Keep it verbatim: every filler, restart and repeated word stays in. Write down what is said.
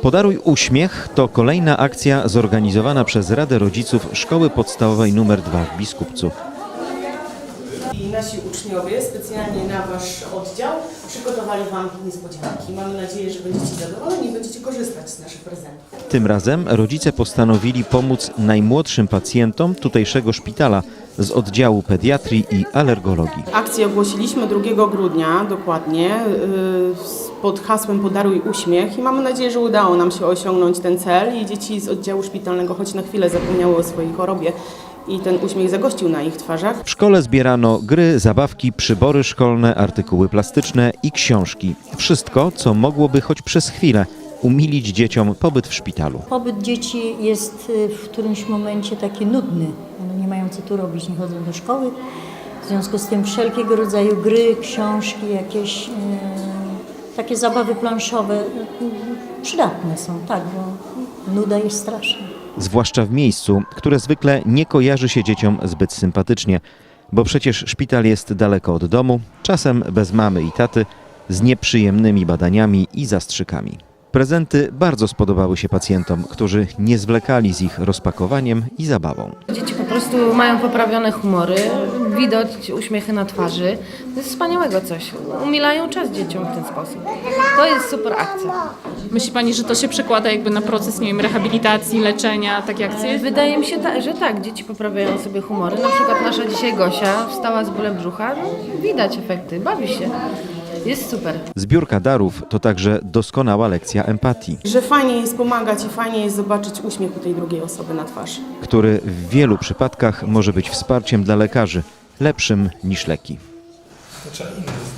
Podaruj uśmiech to kolejna akcja zorganizowana przez Radę Rodziców Szkoły Podstawowej nr dwa w Biskupcu. I nasi uczniowie specjalnie na Wasz oddział przygotowali Wam niespodzianki. Mamy nadzieję, że będziecie zadowoleni i będziecie korzystać z naszych prezentów. Tym razem rodzice postanowili pomóc najmłodszym pacjentom tutejszego szpitala z oddziału pediatrii i alergologii. Akcję ogłosiliśmy drugiego grudnia dokładnie yy, pod hasłem Podaruj uśmiech i mamy nadzieję, że udało nam się osiągnąć ten cel i dzieci z oddziału szpitalnego choć na chwilę zapomniały o swojej chorobie i ten uśmiech zagościł na ich twarzach. W szkole zbierano gry, zabawki, przybory szkolne, artykuły plastyczne i książki. Wszystko, co mogłoby choć przez chwilę umilić dzieciom pobyt w szpitalu. Pobyt dzieci jest w którymś momencie taki nudny. One nie mają co tu robić, nie chodzą do szkoły. W związku z tym wszelkiego rodzaju gry, książki, jakieś e, takie zabawy planszowe e, przydatne są, tak, bo nuda jest straszna. Zwłaszcza w miejscu, które zwykle nie kojarzy się dzieciom zbyt sympatycznie, bo przecież szpital jest daleko od domu, czasem bez mamy i taty, z nieprzyjemnymi badaniami i zastrzykami. Prezenty bardzo spodobały się pacjentom, którzy nie zwlekali z ich rozpakowaniem i zabawą. Dzieci po prostu mają poprawione humory, widać uśmiechy na twarzy. To jest wspaniałego coś. Umilają czas dzieciom w ten sposób. To jest super akcja. Myśli Pani, że to się przekłada jakby na proces, nie wiem, rehabilitacji, leczenia, takie akcje? Wydaje mi się, ta, że tak, dzieci poprawiają sobie humory. Na przykład nasza dzisiaj Gosia wstała z bólem brzucha, no, widać efekty, bawi się. Jest super. Zbiórka darów to także doskonała lekcja empatii, Że fajnie jest pomagać i fajnie jest zobaczyć uśmiech u tej drugiej osoby na twarzy. który w wielu przypadkach może być wsparciem dla lekarzy, lepszym niż leki. To trzeba inny